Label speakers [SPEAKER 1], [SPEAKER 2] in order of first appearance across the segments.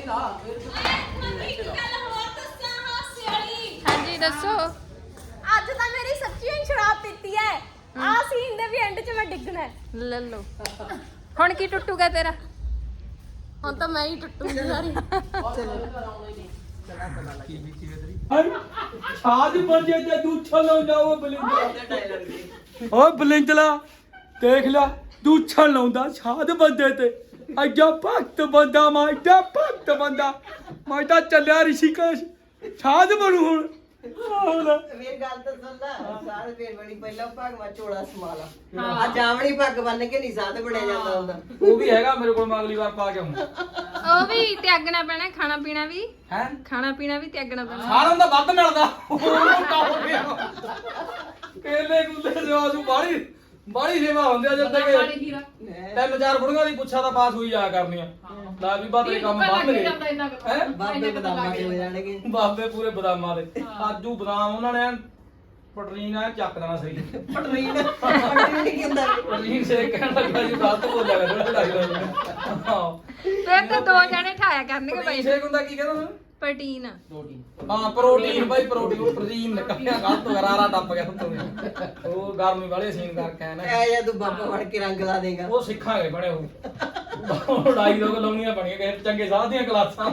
[SPEAKER 1] ਹਾਂਜੀ ਦੱਸੋ।
[SPEAKER 2] ਅੱਜ ਤਾਂ ਮੇਰੀ ਸੱਚੀ ਹੀ ਸ਼ਰਾਬ ਪੀਤੀ ਹੈ। ਆ ਸੀਨ ਦੇ ਵੀ ਐਂਡ 'ਚ ਮੈਂ ਡਿੱਗਣਾ ਹੈ।
[SPEAKER 1] ਲੈ ਲਓ ਹੁਣ ਕੀ ਟੁੱਟੂਗਾ ਤੇਰਾ?
[SPEAKER 2] ਹੁਣ ਤਾਂ ਮੈਂ ਹੀ ਟੁੱਟੂਗੀ ਸਾਰੀ।
[SPEAKER 3] ਛਾਜ ਬੰਦੇ ਤੇ ਦੂਛਾ ਲਾਉਂਦਾ ਉਹ ਬਲਿੰਜਲਾ। ਓਏ ਬਲਿੰਜਲਾ ਦੇਖ ਲੈ ਦੂਛਾ ਲਾਉਂਦਾ ਛਾਜ ਬੰਦੇ ਤੇ। ਐਡਾ ਭਗਤ ਬੰਦਾ ਮੈਂ, ਐਡਾ ਭਗਤ ਬੰਦਾ ਮੈਂ ਤਾਂ ਚੱਲਿਆ ਰਿਸ਼ੀਕੇਸ਼ ਛਾਜ ਬਣੂ ਹੁਣ।
[SPEAKER 4] ਵੇ ਗੱਲ ਤਾਂ ਸੁਣ ਲੈ ਸਾਧ ਫੇਰ ਬਣੀ ਪਹਿਲਾਂ ਭਗਵਾ ਝੋਲਾ ਸਮਾਲਾ ਆ ਜਾਵਣੀ ਪੱਗ ਬੰਨ ਕੇ ਨਹੀਂ ਸਾਧ ਬਣਿਆ ਜਾਂਦਾ ਹੁੰਦਾ।
[SPEAKER 3] ਉਹ ਵੀ ਹੈਗਾ ਮੇਰੇ ਕੋਲ, ਮੈਂ ਅਗਲੀ ਵਾਰ ਪਾ ਕੇ ਆਉਂਗਾ।
[SPEAKER 1] ਉਹ ਵੀ ਤਿਆਗਣਾ ਪੈਣਾ, ਖਾਣਾ ਪੀਣਾ ਵੀ।
[SPEAKER 3] ਹੈ
[SPEAKER 1] ਖਾਣਾ ਪੀਣਾ ਵੀ ਤਿਆਗਣਾ ਪੈਣਾ।
[SPEAKER 3] ਸਾਰਿਆਂ ਦਾ ਵੱਧ ਮਿਲਦਾ ਕੇਲੇ ਕੁੱਲੇ ਜੋ ਆਜੂ ਬਾੜੀ ਸੇਵਾ ਹੁੰਦੀ ਆ ਜਦ ਤੱਕ 3-4 ਬੁੜੀਆਂ ਦੀ ਪੁੱਛਾ ਤਾਂ ਪਾਸ ਹੋਈ ਜਾਇਆ ਕਰਨੀਆਂ। ਲੈ ਵੀ ਬਾਬੇ ਕੰਮ ਬੰਦ ਗਏ ਹੈ।
[SPEAKER 4] ਬਾਬੇ ਬਦਾਮਾਂ ਦੇ ਹੋ ਜਾਣਗੇ।
[SPEAKER 3] ਬਾਬੇ ਪੂਰੇ ਬਦਾਮਾਂ ਦੇ ਆਜੂ ਬਦਾਮ ਉਹਨਾਂ ਨੇ ਪਟਰੀਨ ਆ ਚੱਕ ਦੇਣਾ ਸਹੀ।
[SPEAKER 4] ਪਟਰੀਨ ਨਹੀਂ ਕਹਿੰਦਾ
[SPEAKER 3] ਪਟਰੀਨ ਸੇ ਕਹਿਣ ਲੱਗਾ ਜੀ ਗਲਤ ਬੋਲਿਆ ਕਰ ਥੋੜਾ ਲੱਗਦਾ। ਹਾਂ
[SPEAKER 1] ਫਿਰ ਤਾਂ 2 ਜਣੇ ਠਾਇਆ ਕਰਨਗੇ ਬਾਈ।
[SPEAKER 3] ਸੇ ਹੁੰਦਾ ਕੀ ਕਹਿੰਦਾ ਮੈਂ
[SPEAKER 1] ਪ੍ਰੋਟੀਨ।
[SPEAKER 3] ਹਾਂ ਪ੍ਰੋਟੀਨ ਬਾਈ ਪ੍ਰੋਟੀਨ ਨਿਕਲਿਆ ਗਲਤ ਗਰਾਰਾ ਟੱਪ ਗਿਆ ਉੱਤੋਂ। ਉਹ ਗਰਮੀ ਵਾਲੇ ਸੀਨ ਕਰਕੇ ਆਇਆ ਨਾ।
[SPEAKER 4] ਐ ਜਾਂ ਤੂੰ ਬਾਬਾ ਫੜ ਕੇ ਰੰਗ ਲਾ ਦੇਗਾ।
[SPEAKER 3] ਉਹ ਸਿੱਖਾਂਗੇ ਬਣੇ ਉਹ ਲੜਾਈ ਲੋਕ ਲਾਉਣੀਆਂ ਬਣੀਆਂ ਕਿਸੇ ਚੰਗੇ ਸਾਧ ਦੀਆਂ ਕਲਾਸਾਂ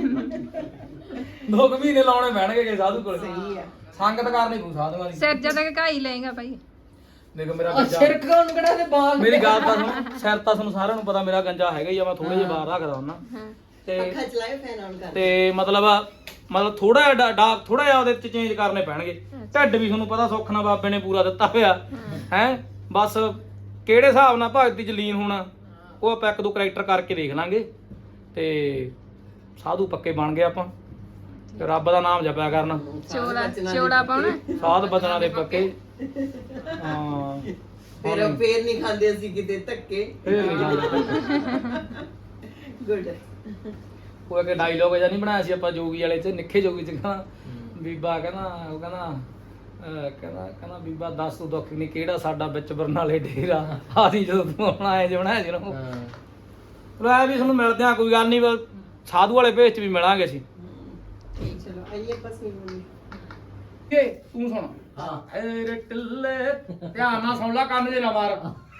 [SPEAKER 3] 2 ਮਹੀਨੇ ਲਾਉਣੇ ਪੈਣਗੇ ਕਿਸੇ ਸਾਧੂ ਕੋਲ।
[SPEAKER 4] ਸਹੀ ਆ।
[SPEAKER 3] ਸੰਗਤ ਕਰਨੀ ਕੋਈ ਸਾਧੂਆਂ ਦੀ।
[SPEAKER 1] ਸਿਰ ਜਦ ਘਾਈ ਲਏਗਾ ਭਾਈ।
[SPEAKER 3] ਦੇਖੋ ਮੇਰਾ ਗੰਜਾ
[SPEAKER 4] ਕੌਣ ਕਿਹੜਾ ਤੇ ਬਾਲ
[SPEAKER 3] ਮੇਰੀ ਗੱਲ ਤਾਂ ਸੁਣ, ਸਿਰ ਤਾਂ ਤੁਹਾਨੂੰ ਸਾਰਿਆਂ ਨੂੰ ਪਤਾ ਮੇਰਾ ਗੰਜਾ ਹੈਗਾ ਹੀ ਆ। ਮੈਂ ਥੋੜੇ ਜਿਹਾ ਬਾਹਰ ਰੱਖਦਾ ਹੁੰਦਾ ਤੇ
[SPEAKER 4] ਅੱਖਾਂ ਚਲਾਏ ਫੈਨ ਆਨ ਕਰ।
[SPEAKER 3] ਤੇ ਮਤਲਬ ਥੋੜਾ ਜਿਹਾ ਉਹਦੇ ਚ ਚੇਂਜ ਕਰਨੇ ਪੈਣਗੇ। ਢਿੱਡ ਵੀ ਤੁਹਾਨੂੰ ਪਤਾ ਸੁੱਖ ਨਾਲ ਬਾਬੇ ਨੇ ਪੂਰਾ ਦਿੱਤਾ ਹੋਇਆ ਹੈ। ਬਸ ਕਿਹੜੇ ਹਿਸਾਬ ਨਾਲ ਭਗਤੀ ਚ ਲੀਨ ਹੋਣਾ ਉਹ ਆਪਾਂ 1-2 ਕਰੈਕਟਰ ਕਰਕੇ ਦੇਖ ਲਾਂਗੇ ਤੇ ਸਾਧੂ ਪੱਕੇ ਬਣ ਗਏ ਆਪਾਂ। ਤੇ ਰੱਬ ਦਾ ਨਾਮ ਜਪਿਆ ਕਰਨਾ।
[SPEAKER 1] ਚੋਲਾ ਪਾਉਣਾ।
[SPEAKER 3] ਸਾਧ ਬਚਨਾਂ ਦੇ ਪੱਕੇ। ਹਾਂ
[SPEAKER 4] ਫੇਰ ਨਹੀਂ ਖਾਂਦੇ ਅਸੀਂ ਕਿਤੇ ਧੱਕੇ। ਗੁੱਡ।
[SPEAKER 3] ਉਹ ਇੱਕ ਡਾਇਲੋਗ ਜਿਹਾ ਨਹੀਂ ਬਣਾਇਆ ਸੀ ਆਪਾਂ ਜੋਗੀ ਵਾਲੇ ਚ, ਨਿੱਖੇ ਜੋਗੀ ਚ ਕਹਿੰਦਾ ਬੀਬਾ ਕਹਿੰਦਾ ਬੀਬਾ ਦੱਸ ਤੂੰ ਦੁੱਖ ਨਹੀਂ ਕਿਹੜਾ ਸਾਡਾ ਵਿੱਚ ਬਰਨਾਲੇ ਡੇਰਾ ਆਦੀ ਜਦੋਂ ਤੂੰ ਆਉਣਾ ਐ ਬਣਾਇਆ ਸੀ ਉਹਨੂੰ। ਲੈ ਵੀ ਤੁਹਾਨੂੰ ਮਿਲਦੇ ਆ, ਕੋਈ ਗੱਲ ਨਹੀਂ ਸਾਧੂ ਵਾਲੇ ਭੇਜ ਚ ਵੀ ਮਿਲਾਂਗੇ ਅਸੀਂ।
[SPEAKER 4] ਚਲੋ ਆਈਏ ਪਸੀ ਬਣੀ।
[SPEAKER 3] ਤੂੰ ਸੁਣ। ਹਾਂ ਰੇ ਟਿੱਲੇ ਧਿਆਨ ਨਾਲ ਸੁਣ ਲੈ, ਕੰਨ ਜੇ ਨਾ ਮਾਰ।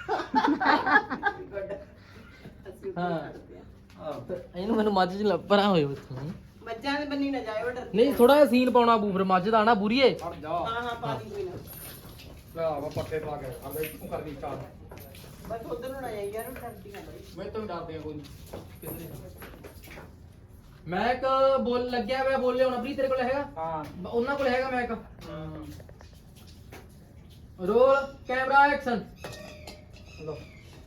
[SPEAKER 4] ਹਾਂ
[SPEAKER 5] ਇਹਨੂੰ ਮੈਨੂੰ ਮੱਝ ਚ ਲੱਪਰਾਂ ਹੋਏ ਉੱਥੋਂ।
[SPEAKER 4] ਮੱਝਾਂ ਦੇ ਬੰਨੀ ਨਾ ਜਾਏ ਉਹ ਡਰ।
[SPEAKER 5] ਨਹੀਂ ਥੋੜਾ ਜਿਹਾ ਸੀਨ ਪਾਉਣਾ ਬੂ ਫਿਰ ਮੱਝ ਦਾ ਨਾ ਬੁਰੀਏ।
[SPEAKER 3] ਹਟ ਜਾ
[SPEAKER 4] ਹਾਂ ਪਾ ਦੀ ਕੋਈ ਨਾ।
[SPEAKER 3] ਲੈ ਆ ਪੱਟੇ ਪਾ ਕੇ ਆ ਲੈ ਤੂੰ ਕਰਨੀ ਸਟਾਰਟ।
[SPEAKER 4] ਬਸ ਉਧਰ ਨੂੰ ਨਾ ਜਾਈ ਯਾਰ ਉਹ ਡਰਦੀ ਨਾ ਬਈ।
[SPEAKER 3] ਮੈਂ ਤਾਂ ਡਰਦੇ ਆ ਕੋਈ ਨਹੀਂ।
[SPEAKER 5] ਮੈਂ ਇੱਕ ਬੋਲ ਲੱਗਿਆ ਹੋਇਆ ਬੋਲੇ ਹੁਣ ਅਬਰੀ ਤੇਰੇ ਕੋਲ ਹੈਗਾ?
[SPEAKER 3] ਹਾਂ
[SPEAKER 5] ਉਹਨਾਂ ਕੋਲ ਹੈਗਾ ਮੈਂ ਇੱਕ। Roll camera action.
[SPEAKER 3] ਲੋ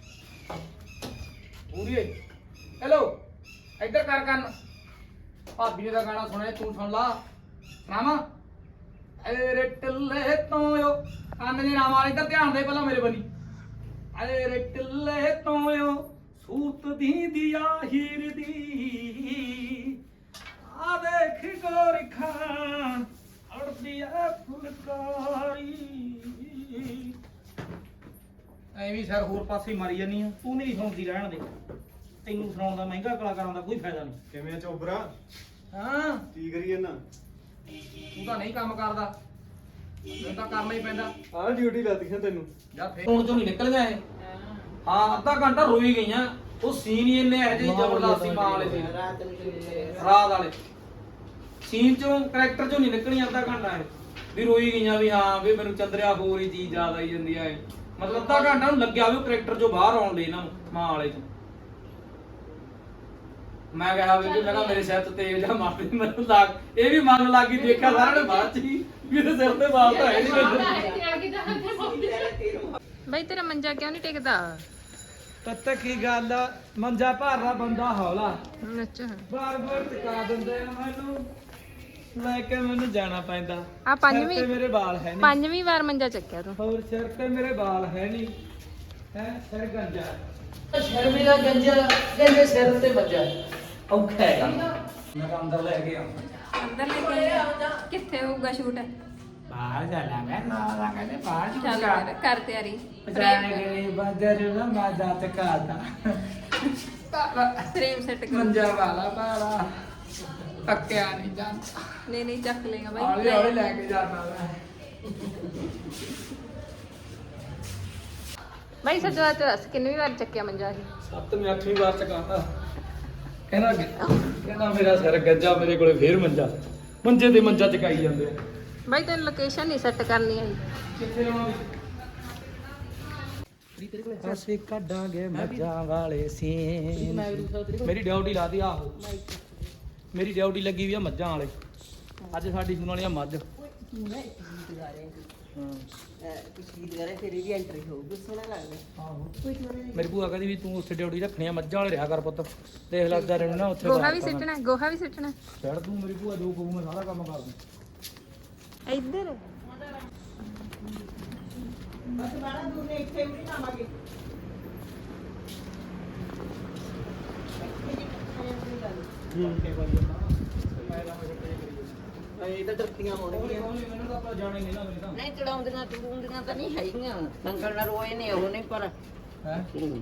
[SPEAKER 3] ਪੂਰੀ ਹੈਲੋ ਇੱਧਰ ਕਰ ਕੰਨ। ਭਾਬੀ ਨੇ ਦਾ ਗਾਣਾ ਸੁਣਿਆ ਤੂੰ ਸੁਣ ਲਾ। ਰਾਮਾ ਏ ਰੇ ਟਿੱਲੇ ਤੋਇਓ ਕੰਨ ਜੇ ਨਾ ਮਾਰ। ਇੱਧਰ ਧਿਆਨ ਦੇ ਪਹਿਲਾਂ ਮੇਰੇ ਬਣੀ। ਏ ਰੇ ਟਿੱਲੇ ਤੋਇਓ ਸੂਤ ਦੀ ਦਿਆ ਹੀਰ ਦੀ ਆ ਦੇਖ ਗੋਰੀ ਖਾਨ ਅੜਦੀ ਐ ਫੁਲਕਾਰੀ। ਐਵੇਂ ਸਰ ਹੋਰ ਪਾਸੇ ਮਾਰੀ ਜਾਨੀ ਆ। ਤੂੰ ਨਹੀਂ ਸੁਣਦੀ ਰਹਿਣ ਦੇ। ਤੈਨੂੰ ਸੁਣਾਉਣ ਦਾ ਮਹਿੰਗਾ ਕਲਾਕਾਰਾਂ ਦਾ ਕੋਈ ਫਾਇਦਾ ਨਹੀਂ।
[SPEAKER 6] ਕਿਵੇਂ ਚੋਬਰਾ
[SPEAKER 3] ਹਾਂ
[SPEAKER 6] ਕੀ ਕਰੀਏ ਨਾ।
[SPEAKER 3] ਤੂੰ ਤਾਂ ਨਹੀਂ ਕੰਮ ਕਰਦਾ, ਮੈਨੂੰ ਤਾਂ ਕਰਨਾ ਹੀ ਪੈਂਦਾ।
[SPEAKER 6] ਆਹ ਡਿਊਟੀ ਲੱਦੀਆਂ ਤੈਨੂੰ।
[SPEAKER 3] ਯਾਰ ਫੇਰ ਹੁਣ ਚੋਂ ਨਹੀਂ ਨਿਕਲ ਗਿਆ ਇਹ। ਹਾਂ ਅੱਧਾ ਘੰਟਾ ਰੋਈ ਗਈਆਂ। ਉਹ ਸੀਨ ਹੀ ਇੰਨੇ ਇਹੋ ਜਿਹੇ ਜ਼ਬਰਦਸਤੀ ਮਾਂ ਵਾਲੇ ਸੀ।
[SPEAKER 4] ਰਾਤ ਨੂੰ
[SPEAKER 3] ਰਾਤ ਵਾਲੇ ਸੀਨ ਚੋਂ ਕਰੈਕਟਰ ਚੋਂ ਨਹੀਂ ਨਿਕਲੀਆਂ ਅੱਧਾ ਘੰਟਾ ਇਹ ਵੀ ਰੋਈ ਗਈਆਂ ਵੀ ਹਾਂ ਵੀ ਮੈਨੂੰ ਚੰਦਰਿਆ ਹੋਰ ਹੀ ਚੀਜ਼ ਯਾਦ ਆਈ ਜਾਂਦੀ ਹੈ। ਮਤਲਬ ਅੱਧਾ ਘੰਟਾ ਨੂੰ ਲੱਗਿਆ ਵੀ ਉਹ ਕਰੈਕਟਰ ਚੋਂ ਬਾਹਰ ਆਉਣ ਲਈ ਇਹਨਾਂ ਨੂੰ ਮਾਂ ਵਾਲੇ ਚ। ਮੈਂ ਕਿਹਾ ਵੀ ਮੈਂ ਕਿਹਾ ਮੇਰੇ ਸਿਰ ਤੇ ਤੇਲ ਜਾਂ ਮਾਰਦੀ ਮੈਨੂੰ ਲੱਗ ਇਹ ਵੀ ਮਨ ਲੱਗੀ ਦੇਖਿਆ ਸਾਰਿਆਂ ਨੇ ਬਾਅਦ ਚ ਹੀ ਵੀ ਇਹਦੇ ਸਿਰ ਤੇ ਬਾਲ ਤਾਂ ਹੈ ਨਹੀਂ।
[SPEAKER 1] ਬਾਈ ਤੇਰਾ ਮੰਜਾ ਕਿਉਂ ਨਹੀਂ ਟਿਕਦਾ?
[SPEAKER 3] ਤੱਤ ਕੀ ਗੱਲ ਆ, ਮੰਜਾ ਭਾਰਾ ਬੰਦਾ ਹੌਲਾ
[SPEAKER 1] ਅੱਛਾ
[SPEAKER 3] ਬਾਰ ਬਾਰ ਟਿਕਾ ਦਿੰਦੇ ਆ ਮੈਨੂੰ, ਲੈ ਕੇ ਮੈਨੂੰ ਜਾਣਾ ਪੈਂਦਾ।
[SPEAKER 1] ਆ
[SPEAKER 3] ਸਿਰ ਤੇ ਮੇਰੇ ਵਾਲ ਹੈ ਨਹੀਂ।
[SPEAKER 1] 5ਵੀਂ ਵਾਰ ਮੰਜਾ ਚੱਕਿਆ ਤੂੰ।
[SPEAKER 3] ਹੋਰ ਸਿਰ ਤੇ ਮੇਰੇ ਵਾਲ ਹੈ ਨਹੀਂ ਹੈ ਸਿਰ ਗੰਜਾ।
[SPEAKER 5] ਸ਼ਰਮੇ ਦਾ ਗੰਜਾ ਗੰਜੇ ਸਿਰ ਤੇ ਵੱਜਾ ਔਖਾ ਹੈਗਾ।
[SPEAKER 3] ਮੈਂ ਤਾਂ ਅੰਦਰ ਲੈ ਗਿਆ।
[SPEAKER 1] ਅੰਦਰ ਲੈ ਕੇ ਕਿੱਥੇ ਹੋਊਗਾ ਸ਼ੂਟ?
[SPEAKER 3] ਬਾਹਰ ਜਾਣਾ ਮੈਂ ਨਾ ਕਹਿੰਦੇ ਬਾਹਰ
[SPEAKER 1] ਚੱਲ ਫਿਰ ਕਰ ਤਿਆਰੀ।
[SPEAKER 3] ਜਾਣੇ ਗਏ ਬਦਰ ਨਾ ਮਾਦਾ ਤਕਾਦਾ
[SPEAKER 1] ਫਰੇਮ ਸੈੱਟ ਕਰ
[SPEAKER 3] ਮੰਜਾ ਵਾਲਾ ਪਾਲਾ ਤੱਕਿਆ ਨਹੀਂ ਜਾਂਦਾ
[SPEAKER 1] ਨਹੀਂ ਨਹੀਂ ਚੱਕ ਲੇਗਾ
[SPEAKER 3] ਹੌਲੀ ਹੌਲੀ
[SPEAKER 1] ਬਾਈ
[SPEAKER 3] ਲੈ ਕੇ ਜਾਣਾ ਮੈਂ
[SPEAKER 1] ਬਾਈ ਸੱਚ ਦੱਸ ਕਿੰਨੀ ਵਾਰ ਚੱਕਿਆ ਮੰਜਾ ਇਹ
[SPEAKER 3] 7ਵੀਂ 8ਵੀਂ ਵਾਰ ਚਕਾਉਂਦਾ ਕਹਿੰਦਾ ਮੇਰਾ ਸਿਰ ਗੱਜਾ ਮੇਰੇ ਕੋਲੇ ਫੇਰ ਮੰਜਾ ਮੰਜੇ ਤੇ ਮੰਜਾ ਚਕਾਈ ਜਾਂਦੇ ਆ
[SPEAKER 1] ਬਾਈ ਤੈਨੂੰ ਲੋਕੇਸ਼ਨ ਨਹੀਂ ਸੈੱਟ ਕਰਨੀ ਆਈ
[SPEAKER 3] ਕਿੱਥੇ ਲਾਉਣਾ ਅਸੀਂ ਕੱਢਾਂਗੇ ਮੱਝਾਂ ਵਾਲੇ ਸੀਨ ਮੇਰੀ ਡਿਊਟੀ ਲਾਤੀ ਆਹੋ ਮੇਰੀ ਡਿਊਟੀ ਲੱਗੀ ਵੀ ਆ ਮੱਝਾਂ ਵਾਲੇ ਅੱਜ ਸਾਡੀ ਸੁਣ ਵਾਲੀ ਆ ਮੱਝ
[SPEAKER 4] ਪਿਛਲੀ ਵਾਰ ਤੇਰੀ ਵੀ ਐਂਟਰੀ ਹੋਊਗੀ ਸੋਹਣਾ ਲੱਗਦਾ
[SPEAKER 3] ਆਹੋ ਮੇਰੀ ਭੂਆ ਕਹਿੰਦੀ ਵੀ ਤੂੰ ਉੱਥੇ ਡਿਊਟੀ ਰੱਖਣੀ ਆ ਮੱਝਾਂ ਵਾਲੇ ਰਿਹਾ ਕਰ ਪੁੱਤ ਦੇਖ ਲੱਗਦਾ ਰਹਿਣਾ ਨਾ ਉੱਥੇ
[SPEAKER 1] ਗੋਹਾ ਵੀ ਸਿੱਟਣਾ ਗੋਹਾ ਵੀ ਸਿੱਟਣਾ
[SPEAKER 3] ਛੱਡ ਤੂੰ ਮੇਰੀ ਭੂਆ ਜੋ ਕਹੂ ਮੈਂ ਸਾਰਾ ਕੰਮ ਕਰ ਦੂੰ
[SPEAKER 1] ਇੱਧਰ
[SPEAKER 4] ਬਸ ਬਾੜਾ ਦੂਰ ਨੇ ਇੱਥੇ ਵੀ ਨਾ ਆਵਾਂਗੇ ਇਹ ਤਾਂ ਡਰਤੀਆਂ ਹੋਣਗੀਆਂ
[SPEAKER 3] ਮੈਨੂੰ ਤਾਂ ਆਪਾਂ ਜਾਣੇ ਨਹੀਂ ਨਾ ਮੇਰੇ ਤਾਂ
[SPEAKER 4] ਨਹੀਂ ਚੜਾਉਂਦੀਆਂ ਚੜੂੰਦੀਆਂ ਤਾਂ ਨਹੀਂ ਹੈਗੀਆਂ ਸੰਗਲ ਨਾਲ ਰੋਏ ਨੇ ਉਹ ਨਹੀਂ ਪਰ
[SPEAKER 3] ਹੈ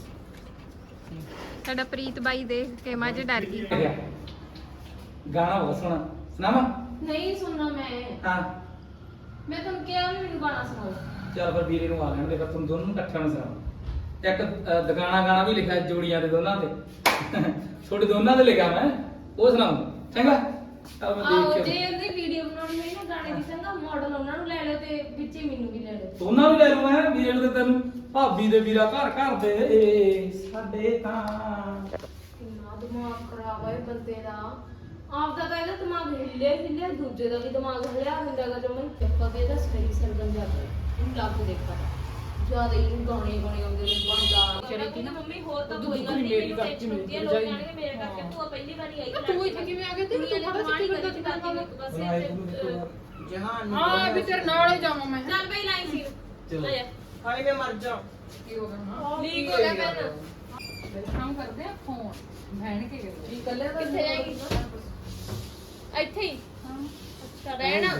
[SPEAKER 1] ਸਾਡਾ ਪ੍ਰੀਤ ਬਾਈ ਦੇਖ ਕੇ ਮੱਝ ਡਰ ਗਈ
[SPEAKER 3] ਗਾਣਾ ਬਹੁਤ ਸੋਹਣਾ ਸੁਣਾਵਾ
[SPEAKER 2] ਨਹੀਂ ਸੁਣਨਾ ਮੈਂ
[SPEAKER 3] ਹਾਂ
[SPEAKER 2] ਮੈਂ ਤੁਹਾਨੂੰ ਕਿਹਾ ਵੀ ਮੈਨੂੰ ਗਾਣਾ ਸੁਣਾਓ
[SPEAKER 3] ਚੱਲ ਫਿਰ ਵੀਰੇ ਨੂੰ ਆ ਲੈਣ ਦੇ ਫਿਰ ਤੁਹਾਨੂੰ ਦੋਨੋਂ ਨੂੰ ਇਕੱਠਿਆਂ ਨੂੰ ਸੁਣਾ ਇੱਕ ਦੁਕਾਨਾ ਗਾਣਾ ਵੀ ਲਿਖਿਆ ਜੋੜੀਆਂ ਦੇ ਦੋਨਾਂ ਤੇ ਛੋਟੇ ਦੋਨਾਂ ਤੇ ਲਿਖਿਆ ਮੈਂ ਉਹ ਸੁਣਾਉ ਚੰਗਾ ਚੱਲ ਮੈਂ
[SPEAKER 2] ਆਹੋ
[SPEAKER 3] ਦੇਖ
[SPEAKER 2] ਜੇ
[SPEAKER 3] ਕੇ
[SPEAKER 2] ਉਹਦੀ ਵੀਡੀਓ ਬਣਾਉਣੀ ਹੋਈ ਨਾ ਗਾਣੇ ਦੀ ਚੰਗਾ ਮਾਡਲ ਉਹਨਾਂ ਨੂੰ ਲੈ ਲਿਓ ਤੇ ਵਿੱਚੇ ਮੈਨੂੰ ਵੀ ਲੈ ਲਿਓ
[SPEAKER 3] ਦੋਨਾਂ ਨੂੰ ਲੈ ਲੂ ਮੈਂ ਵੀਰੇ ਨੂੰ ਤੇ ਤੈਨੂੰ ਭਾਬੀ ਦੇ ਵੀਰਾ ਘਰ ਘਰ ਦੇ ਸਾਡੇ ਤਾਂ
[SPEAKER 2] ਕਿੰਨਾ ਦਿਮਾਗ ਖਰਾਬ ਹੈ ਬੰਦੇ ਦਾ ਆਪਦਾ ਤਾਂ ਇਹਦਾ ਦਿਮਾਗ ਹਿੱਲਿਆ ਦੂਜੇ ਦਾ ਵੀ ਦਿਮਾਗ ਹਿੱਲਿਆ ਹੁੰਦਾਗਾ ਜਦ ਮੈਂ ਚੱਪਾ ਕੇ ਇਹਦਾ ਸਹੀ ਸਰਗਮ ਜਾਂਦਾ ਇਹਨੂੰ ਲੱਗ ਦੇਖਾ ਜਿਆਦਾ ਹੀ ਗਾਣੇ ਆਉਂਦੇ ਨੇ ਬੰਦਾ ਚੜੇ ਕਿ ਨਾ ਮੰਮੀ ਹੋਰ ਤਾਂ ਕੋਈ ਗੱਲ ਨਹੀਂ ਮੇਰੀ ਟੈਨਸ਼ਨ ਹੁੰਦੀ ਹੈ ਲੋਕ ਕਹਿਣਗੇ ਮੇਰੇ ਕਰਕੇ ਤੂੰ ਪਹਿਲੀ ਵਾਰੀ ਆਈ
[SPEAKER 1] ਤੂੰ ਇੱਥੇ ਕਿਵੇਂ ਆ ਗਿਆ ਤੂੰ
[SPEAKER 2] ਬੜਾ ਸੱਚੀ ਬੰਦਾ ਤੇ ਕਰਦੀ ਇੱਕ ਪਾਸੇ
[SPEAKER 4] ਜਹਾਨ
[SPEAKER 1] ਹਾਂ ਵੀ ਤੇਰੇ ਨਾਲ ਹੀ ਜਾਵਾਂ ਮੈਂ
[SPEAKER 2] ਚੱਲ ਬਈ ਲਾਈ ਸੀ
[SPEAKER 3] ਚਲੋ।
[SPEAKER 2] ਲੈ ਜਾ
[SPEAKER 4] ਹਾਏ ਮੈਂ ਮਰ ਜਾ
[SPEAKER 1] ਕੀ ਹੋ ਗਿਆ
[SPEAKER 2] ਲੀਕ ਹੋ ਗਿਆ ਪੈਨ
[SPEAKER 1] ਕੰਮ ਕਰਦੇ ਆ ਫੋਨ ਭੈਣ ਕੇ ਗਏ
[SPEAKER 2] ਕੀ ਕੱਲੇ ਕਿੱਥੇ ਜਾਏਗੀ ਇੱਥੇ ਹੀ ਅੱਛਾ ਰਹਿਣਾ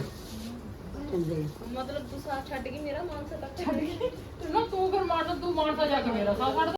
[SPEAKER 2] ਮਤਲਬ ਤੂੰ ਸਾਥ ਛੱਡ ਕੇ ਮੇਰਾ ਮਾਨਸਾ ਤੱਕ ਛੱਡ
[SPEAKER 1] ਨਾ ਤੂੰ ਫਿਰ ਮਾਰਦਾ ਤੂੰ ਮਾਰਦਾ ਜਾ ਕੇ ਮੇਰਾ ਸਾਹ ਕੱਢ